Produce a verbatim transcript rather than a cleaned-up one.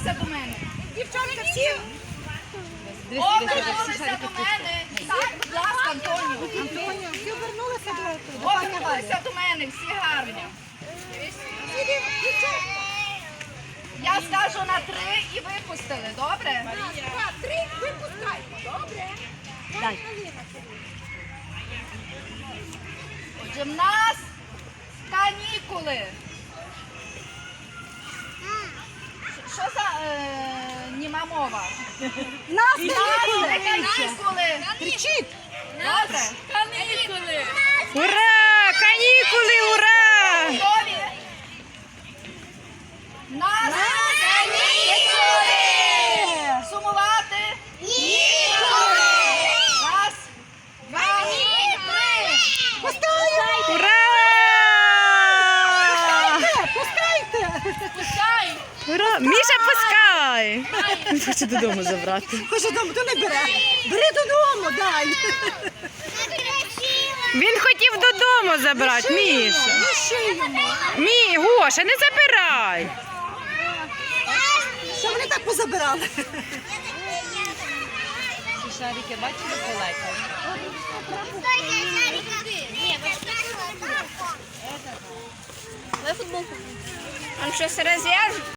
Обернулися до мене. Дівчатка, всі. Обернулися до мене. Так, будь ласка, Антоніо. Антоніо, всі обернулися до Обернулися до мене, всі гарні. Я скажу на три і випустили, добре? Три, випускайте, добре? Дай. Отже, в нас канікули. Що за е, німа мова? Нас Канікули! Канікули! Кричіть! Добре? Канікули! Ура! Канікули, ура! Готові? Нас канікули! Сумувати? Ніколи! Раз, два, три! Ура! Пускайте! Пускай! Ура! Міша, пускай! Він хоче додому забрати. Хоче додому, то не бере. Бери додому, дай. Він хотів додому забрати, Міша. Лиши йому. Мі, Гоша, не забирай. Що вони так позабирали? Шарики, бачили, полетіли? Он щось розв'яже?